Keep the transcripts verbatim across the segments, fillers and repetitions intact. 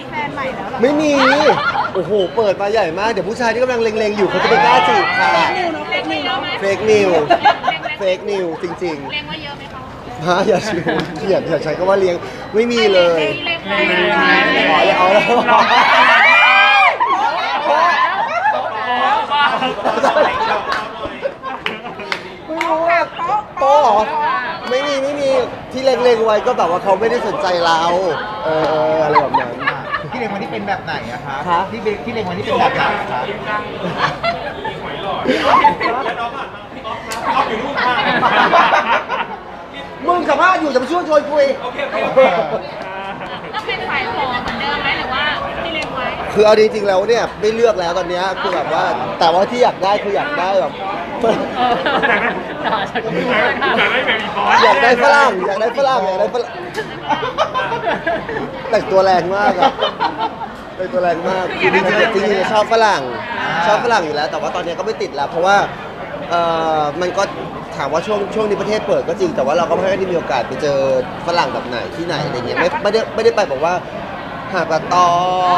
แฟนใหม่แล้วหรอไม่มีโอ้โหเปิดมาใหญ่มากเดี๋ยวผู้ชายที่กำลังเล็งๆอยู่เขาจะไปกล้าจีบค่ะเล็กนิวเนาะเฟกนิวเฟกนิวจริงเล็งว่าเยอะไหมคะๆฮะอย่าชิวอย่าอย่าใช้คำว่าเลี้ยงไม่มีเลยเล็งเล็งอ๋อเอาแล้วไม่รู้ว่าโป๊ะเหรอไม่มีไม่มีที่เล็งๆไว้ก็แบบว่าเขาไม่ได้สนใจเราเอออะไรแบบนั้นที่เล็งวันนี้เป็นแบบไหนอะคะครับที่เล็งที่เล็งวันนี้เป็นแบบไหนอะคะมึงสัมภาษณ์อยู่จะมาช่วยชวนคุยต้องเป็นฝ่ายผอเหมือนเดิมไหมหรือว่าที่เล็งไว้คือเอาจริงๆแล้วเนี่ยไม่เลือกแล้วตอนเนี้ยคือแบบว่าแต่ว่าที่อยากได้คืออยากได้แบบอยากได้ฝรั่งอยากได้ฝรั่งอยากได้ฝรั่งแต่งตัวแรงมากอะแต่งตัวแรงมากจริงๆจริงๆชอบฝรั่งชอบฝรั่งอยู่แล้ว แต่ว่าตอนนี้ก็ไม่ติดแล้ว เพราะว่าเอ่อมันก็ถามว่าช่วงช่วงนี้ประเทศเปิดก็จริงแต่ว่าเราก็ไม่ได้มีโอกาสไปเจอฝรั่งแบบไหนที่ไหนอะไรเงี้ยไม่ไม่ได้ไม่ได้ไปบอกว่าหาดปลาตอง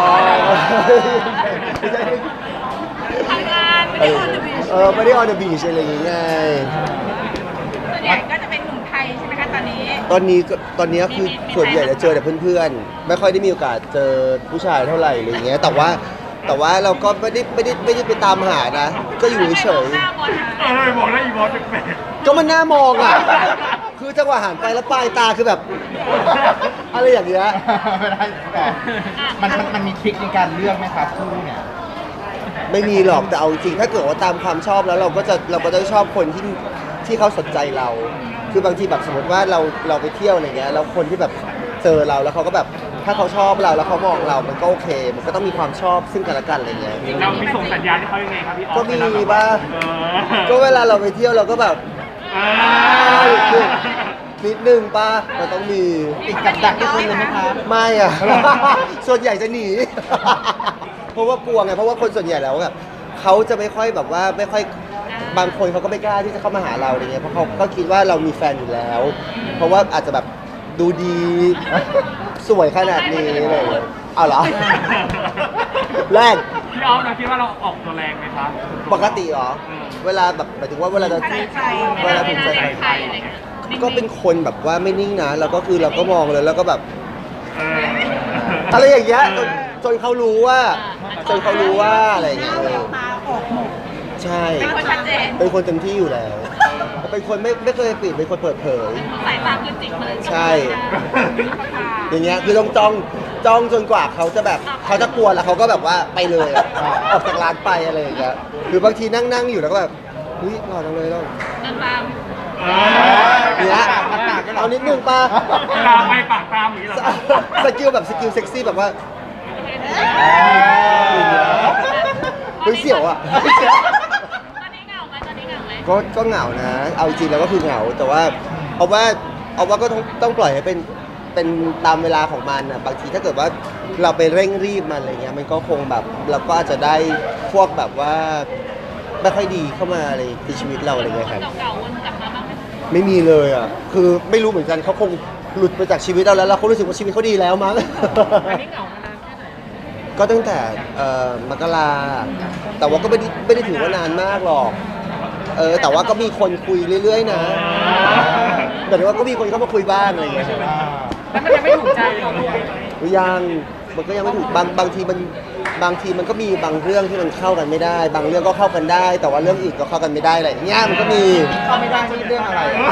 ไม่ใช่ทำงานไม่ได้ออนเดอะบีชเออไม่ได้ออนเดอะบีชอะไรอย่างเงี้ยส่วนใหญ่ก็จะเป็นหนุ่มไทยใช่ไหมคะตอนนี้ตอนนี้ก็ตอนนี้คือมีมีส่วนใหญ่จะเจอแต่เพื่อนๆ ไม่ค่อยได้มีโอกาสเจอผู้ชายเท่าไหร่อะไรอย่างเงี้ยแต่ว่าแต่ว่าเราก็ไม่ได้ไม่ได้ไม่ได้ไปตามหานะ ก็อยู่เฉยหน้าบอลเออบอกแล้วอีบอสแปลกๆก็มันน่ามองอ่ะ คือจังหวะหันไปแล้วปลายตาคือแบบ อะไรอย่างเงี้ยไม่ได้แต่มันมันมันมีทริคในการเลือกไหมครับคู่เนี่ยไม่มีหรอกแต่เอาจริงๆถ้าเกิดว่าตามความชอบแล้วเราก็จะเราก็จะชอบคนที่ที่เขาสนใจเรา คือบางทีแบบสมมติว่าเราเราไปเที่ยวอะไรเงี้ยแล้วคนที่แบบเจอเราแล้วเขาก็แบบถ้าเขาชอบเราแล้วเขามองเรา มันก็โอเค มันก็ต้องมีความชอบซึ่งกันและกันอะไรเงี้ยๆเรามีส่งสัญญาณให้เขายังไงครับพี่ออฟก็มีเวลแบบบ้างเอก็อเวลาเราไปเที่ยวเราก็แบบเออนิดนึงป้ามันต้องมีติดกับดักที่คุณเลยไหมครับไม่อะ ส่วนใหญ่จะหนี เพราะว่ากลัวไงเพราะว่าคนส่วนใหญ่แล้วแบบเขาจะไม่ค่อยแบบว่าไม่ค่อยบางคนเขาก็ไม่กล้าที่จะเข้ามาหาเราอะไรเงี้ยเพราะเขาก็คิดว่าเรามีแฟนอยู่แล้ว เพราะว่าอาจจะแบบดูดีสวยขนาดนี้อะไรเลยเอาเหรอ แรกพี่ออฟเราคิดว่าเราออกตัวแรงไหมครับปกติเหรอ เวลาแบบหมายถึงว่าเวลาจะใส่ใจเวลาถูกใจใครอะไรเงี้ยก็เป็นคนแบบว่าไม่นิ่งนะแล้วก็คือเราก็มองเลยแล้วก็แบบเอออะไรอย่างเงี้ยจนจนเขารู้ว่าจนเขารู้ว่าอะไรอย่างเงี้ยแววตาออกหมดใช่เป็นคนชัดเจนเป็นคนเต็มที่อยู่แล้วเป็นคนไม่ไม่เคยปิดเป็นคนเปิดเผยสายตาคือจิกเลยใช่ อย่างเงี้ยคือต้องจ้องจ้องจนกว่าเขาจะแบบเขาจะกลัวแล้วเขาก็แบบว่าไปเลยอะออกจากร้านไปอะไรอย่างเงี้ยหรือบางทีนั่งนั่งอยู่แล้วก็แบบเฮ้ยหล่อจังเลยเราเดินตามเออเนี้ยเอานิดนึงป่ะตามไปปากตามอย่างนี้เหรอสกิลแบบสกิลเซ็กซี่แบบว่าเฮ้ยเสี่ยวอ่ะตอนนี้เหงาไหมตอนนี้เหงาไหมก็ก็เหงานะ เอาจริงแล้วก็คือเหงา แต่ว่าเอาว่าเอาว่าก็ต้องต้องปล่อยให้เป็นเป็นตามเวลาของมันนะบางทีถ้าเกิดว่าเราไปเร่งรีบมันอะไรเงี้ยมันก็คงแบบเราก็อาจจะได้พวกแบบว่าไม่ค่อยดีเข้ามาในในชีวิตเราอะไรเงี้ยครับเก่าๆวนกลับมาบ้างไหมไม่มีเลยอ่ะ คือไม่รู้เหมือนกันเขาคงหลุดไปจากชีวิตเราแล้วแล้วเขารู้สึกว่าชีวิตเขาดีแล้วมั้งอันนี้เหงามานานแค่ไหนก็ตั้งแต่เอ่อมกราแต่ว่าก็ไม่ได้ไม่ได้ถือว่านานมากหรอก เออ แต่ว่าก็มีคนคุยเรื่อยๆนะแต่ว่าก็มีคนเข้ามาคุยบ้างอะไรอย่างเงี้ยแล้วมันยังไม่ถูกใจเลยเหรอยังมันก็ยังไม่ถูกบางบางทีมันบางทีมันก็มีบางเรื่องที่มันเข้ากันไม่ได้ บางเรื่องก็เข้ากันได้ แต่ว่าเรื่องอื่นก็เข้ากันไม่ได้อะไรอย่างเงี้ยมันก็มีเข้าไม่ได้นี่เรื่องอะไรอะ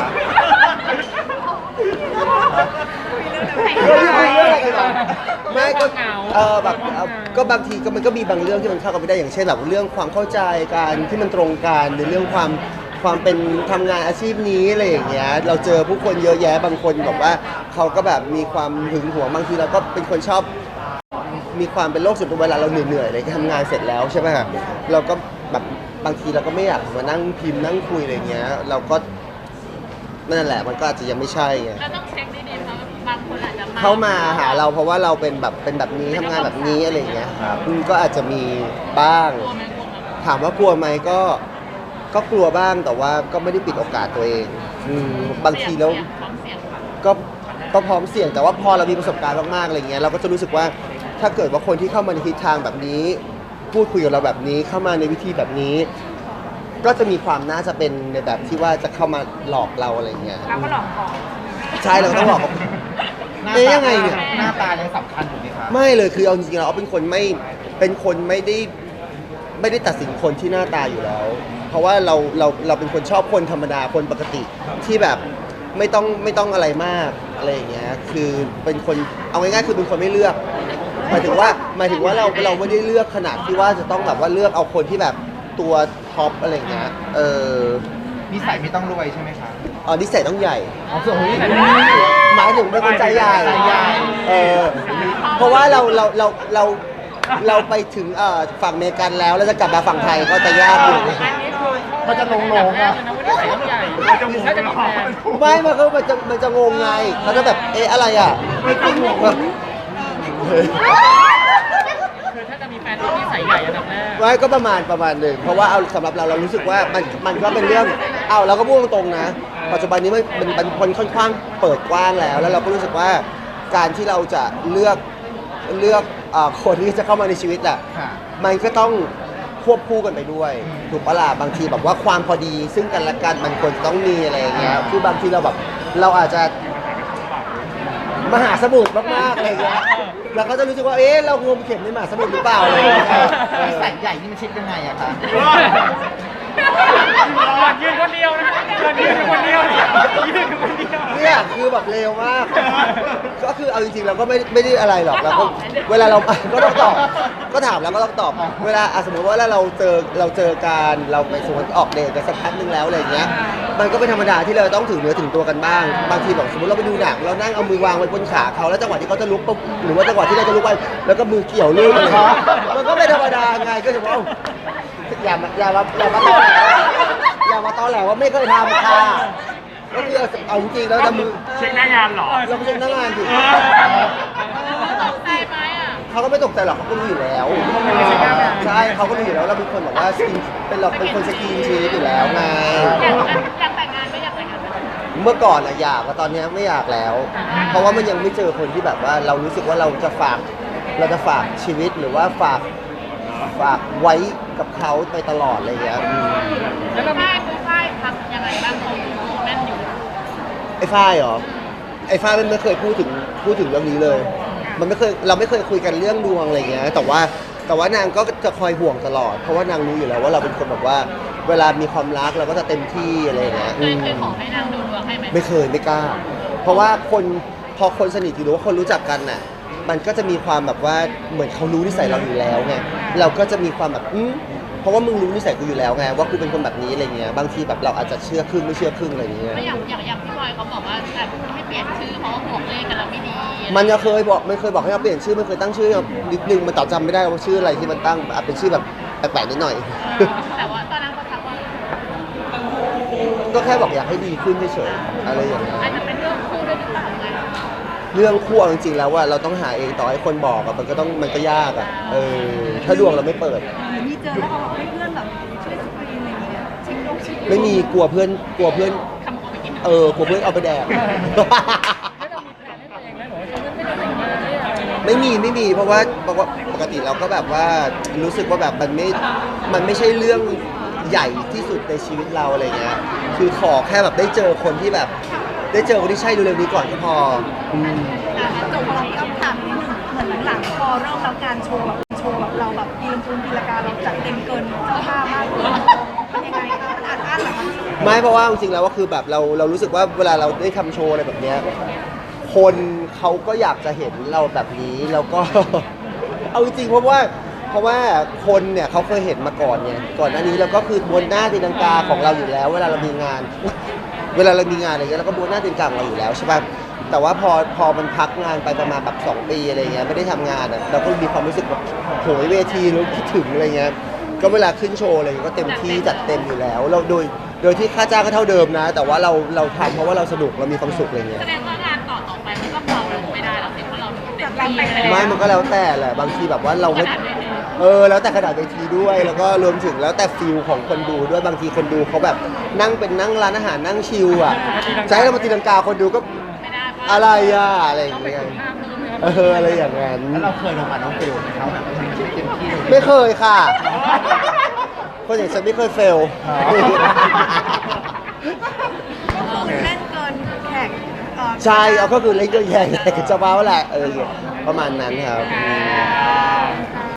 เรื่องคุยเรื่องอะไรกันวะไม่ก็เออแบบเอ่อก็บางทีก็มันก็มีบางเรื่องที่มันเข้ากันไม่ได้อย่างเช่นแบบเรื่องความเข้าใจการที่มันตรงกันหรือเรื่องความความเป็นทำงานอาชีพนี้อะไรอย่างเงี้ยเราเจอผู้คนเยอะแยะบางคนแบบว่าเขาก็แบบมีความหึงหวงบางทีเราก็เป็นคนชอบมีความเป็นโรคส่วนตัวเวลาเราเหนื่อยๆอะไรทำงานเสร็จแล้วใช่ไหมฮะเราก็แบบบางทีเราก็ไม่อยากมานั่งพิมพ์นั่งคุยอะไรเงี้ยเราก็นั่นแหละมันก็อาจจะยังไม่ใช่ไงเราต้องเช็คดีๆเพราะบางคนอาจจะเข้ามาหาเราเพราะว่าเราเป็นแบบเป็นแบบนี้ทำงานแบบนี้อะไรอย่างเงี้ยอืมก็อาจจะมีบ้างกลัวไหมกลัวไหมถามว่ากลัวไหมก็ก็กลัวบ้างแต่ว่าก็ไม่ได้ปิดโอกาสตัวเองอืมบางทีแล้วพร้อมเสี่ยงค่ะก็ก็พร้อมเสี่ยงแต่ว่าพอเรามีประสบการณ์มากๆอะไรเงี้ยเราก็จะรู้สึกว่าถ้าเกิดว่าคนที่เข้ามาในทิศทางแบบนี้ พูดคุยกับเราแบบนี้เข้ามาในวิธีแบบนี้ ก็จะมีความน่าจะเป็นในแบบที่ว่าจะเข้ามาหลอกเราอะไรเงี้ยเราก็หลอกก่อนใช่เราก็ต้องหลอกเขาหน้าเอ๊ะตายังไงเนี่ยหน้าตายังสำคัญอยู่ไหมครับไม่เลยคือเอาจริงๆแล้วเป็นคนไม่เป็นคนไม่ได้ไม่ได้ตัดสินคนที่หน้าตาอยู่แล้ว เพราะว่าเราเราเราเป็นคนชอบคนธรรมดาคนปกติที่แบบไม่ต้องไม่ต้องอะไรมากอะไรอย่างเงี้ยคือเป็นคนเอาง่ายๆคือเป็นคนไม่เลือกหมายถึงว่าหมายถึงว่าเราเราไม่ได้เลือกขนาดที่ว่าจะต้องแบบว่าเลือกเอาคนที่แบบตัวท็อปอะไรอย่างเงี้ยเออนิสัยไม่ต้องรวยใช่ไหมครับอ๋อนิสัยต้องใหญ่เอาส่วนนี้หมายถึงเป็นคนใจใหญ่ใจใหญ่เออเพราะว่าเราเราเราเราเราไปถึงเอ่อฝั่งอเมริกันแล้วแล้วจะกลับมาฝั่งไทยก็จะยากอยู่มันจะลงลงอ่ะมันจะหมุนหรอไม่มันก็มันจะมันจะงงไงเขาจะแบบเอ๊ะอะไรอ่ะมันจะหมุนแบบคือถ้าจะมีแฟนที่นิสัยใหญ่อันดับแรกไว้ก็ประมาณประมาณหนึ่งเพราะว่าเอาสำหรับเราเรารู้สึกว่ามันมันก็เป็นเรื่องเอาเราก็พูดตรงๆนะ ปัจจุบันนี้มันมันมันคนค่อนข้างเปิดกว้างแล้ว แล้วเราก็รู้สึกว่าการที่เราจะเลือกเลือกเอ่อคนที่จะเข้ามาในชีวิตแหละค่ะมันก็ต้องควบคู่กันไปด้วยถูกปะล่ะบางทีแบบว่าความพอดีซึ่งกันและกันมันควรจะต้องมีอะไรอย่างเงี้ยคือบางทีเราแบบเราอาจจะมหาสมุทรมากๆอะไรอย่างเงี้ยเราก็จะรู้สึกว่าเอ๊ะเรางมเข็มในมหาสมุทรหรือเปล่าอะไรอย่างเงี้ยเอนิอสัยใหญ่นี่มันเช็คยังไงอะคะยืนคนเดียวนะยืนคนเดียวยืนคนเดียวเนี่ยคือแบบเร็วมาก ก็คือเอาจริงๆเราก็ไม่ไม่ได้อะไรหรอกเราก็เวลาเรา ก็ต้องตอบก็ถามแล้วก็ต้องตอบ เวลาอ่ะสมมติว่าเวลาเราเจอเราเจอการเราไปสมมติออกเดทกันสักพักหนึงแล้วอะไรอย่างเงี้ยมันก็เป็นธรรมดาที่เราต้องถึงเนื้อถึงตัวกันบ้าง บางทีแบบสมมติเราไปดูหนังเรานั่งเอามือวางไว้บนขาเขาแล้วจังหวะที่เขาจะลุกปุ๊บหรือว่าจังหวะที่เราจะลุกไปแล้วก็มือเกี่ยวลื่นอะไรอย่างเงี้ยมันก็เป็นธรรมดาไงก็ถือว่าเอ้าอย่ามาอย่ามาอย่ามาตอแหลอย่ามาตอแหลว่าไม่เคยทำค่ะก็คือเอาจริงๆแล้วจะมือเช็คหน้างานเหรอเราไม่ใช่พนักงานสิตกใจไหมอ่ะเขาก็ไม่ตกใจหรอกเขาก็รู้อยู่แล้ว ใช่เขาก็รู้อยู่แล้วเราเป็นคนแบบว่าสกินเป็นเราเป็นคนสกินชีสอยู่แล้วไงอยากอยากแต่งงานไหมอยากแต่งงานไหมเมื่อก่อนอะอยากแต่ตอนนี้ไม่อยากแล้ว เพราะว่ามันยังไม่เจอคนที่แบบว่าเรารู้สึกว่าเราจะฝากเราจะฝากชีวิตหรือว่าฝากฝากไว้กับเขาไปตลอดอะไรอย่างเงี้ยอืมแล้วก็ฝ้ายคือฝ้ายทำยังไงบ้างเขาดูแม่นอยู่ไอ้ฝ้ายเหรอไอ้ฝ้ายมันไม่เคยพูดถึงพูดถึงเรื่องนี้เลย มันไม่เคยเราไม่เคยคุยกันเรื่องดวงอะไรอย่างเงี้ยแต่ว่าแต่ว่านางก็จะคอยห่วงตลอด เพราะว่านางรู้อยู่แล้วว่าเราเป็นคนแบบว่าเวลามีความรักเราก็จะเต็มที่อะไรอย่างเงี้ยเคอืยมเคยขอให้นางดูดวงให้ไหมไม่เคยไม่กล้า เพราะว่าคนพอคนสนิทหรือว่าคนรู้จักกันน่ะมันก็จะมีความแบบว่าเหมือนเขารู้นิสัยเราอยู่แล้วไงเราก็จะมีความแบบอืมเพราะว่ามึงรู้นิสัยกูอยู่แล้วไงว่ากูเป็นคนแบบนี้อะไรเงี้ยบางทีแบบเราอาจจะเชื่อครึ่งไม่เชื่อครึ่งอะไรอย่างเงี้ยก็อย่างอย่างอย่างพี่บอยเขาบอกว่าแบบไม่เปลี่ยนชื่อเพราะว่าห่วงเลขกันแล้วไม่ดีมันจะเคยบอกไม่เคยบอกให้เราเปลี่ยนชื่อมันเคยตั้งชื่อนิดนึงมันต่อจำไม่ได้ว่าชื่ออะไรที่มันตั้งอาจเป็นชื่อแบบแปลกๆนิดหน่อยแต่ว่าตอนนั้นเขาทักว่าก็แค่บอกอยากให้ดีขึ้นเฉยๆอะไรอย่างเงี้ยอาจจะเป็นเรื่องคู่ด้วยหรือเปล่าไงเรื่องคู่เอาจริงๆแล้วว่าเราต้องหาเองต่อให้คนบอกอะมันก็ต้องมันก็ยากอะเออถ้าดวงเราไม่เปิดมีเจอแล้วเขาบอกให้เพื่อนแบบช่วยสกรีนอะไรอย่างเงี้ยเช็คดวงเช็คดวงไม่มีกลัวเพื่อนกลัวเพื่อนทำกูไปกินเออกลัวเพื่อนเอาไปแดกแล้วเรามีแผนให้ตัวเองไหมหรือว่าฉันไม่ได้แต่งงานเนี่ยอะไรอย่างเงี้ยไม่มีไม่มีเพราะว่าปกปกติเราก็แบบว่ารู้สึกว่าแบบมันไม่มันไม่ใช่เรื่องใหญ่ที่สุดในชีวิตเราอะไรเงี้ยคือขอแค่แบบได้เจอคนที่แบบ ได้เจอคนที่ใช่เร็วๆนี้ก่อนก็พออืมอ่ะจบพอเราต้องถามนิดนึงเหมือนหลังๆพอเริ่มแล้วการโชว์แบบโชว์แบบเราแบบตีลงทุนตีลากาเราจัดเต็มเกินเสื้อผ้ามากเลยมันยังไงคะมันอัดอั้นเหรอคะไม่เพราะว่าจริงๆแล้วก็คือแบบเราเรารู้สึกว่าเวลาเราได้ทำโชว์อะไรแบบเนี้ยคนเขาก็อยากจะเห็นเราแบบนี้แล้วก็ เอาจริงๆเพราะว่าเพราะว่าคนเนี่ยเขาเคยเห็นมาก่อนไงก่อนหน้านี้เราก็คือบนหน้าตีลังกาของเราอยู่แล้ว เวลาเรามีงาน เวลาเรามีงานอะไรเงี้ยเราก็บนหน้าตีลังกาของเราอยู่แล้วใช่ป่ะแต่ว่าพอพอมันพักงานไปประมาณแบบสองปีอะไรเงี้ยไม่ได้ทำงานอ่ะเราก็มีความรู้สึกแบบโหยเวทีแล้วคิดถึงอะไรเงี้ยก็เวลาขึ้นโชว์อะไรเงี้ยก็เต็มที่จัดเต็มอยู่แล้วเราโดยโดยที่ค่าจ้างก็เท่าเดิมนะ แต่ว่าเราเราทำเพราะว่าเราสนุกเรามีความสุขอะไรเงี้ยแสดงว่างานต่อต่อไปมันก็เบาลงไม่ได้แล้วสิเพราะเราเต็มที่ไปไม่มันก็แล้วแต่แหละบางทีแบบว่าเราขไม่นาดเวทีเออแล้วแต่ขนาดเวทีด้วย แล้วก็รวมถึงแล้วแต่ฟิลของคนดูด้วยบางทีคนดูเขาแบบนั่งเป็นนั่งร้านอาหารนั่งชิลอ่ะใช้เรามาตีลังกาคนดูก็ไม่ได้เพราะอะไรอ่ะอะไรอย่างต้องไปเงี้ยฝึกท่าเพิ่มไหมครับเอออะไรอย่างนั้นแล้วเราเคยลงมาน้องฟิลไหมครับแบบมันไม่เต็มที่เลยไม่เคยค่ะ คนอย่างฉันไม่เคยเฟลอ๋อก็คือเล่นเกินแขกเอ่อใช่เอาก็คือเล่นก็แย่งกับเจ้าบ่าวแหละเออประมาณนั้นครับอ่า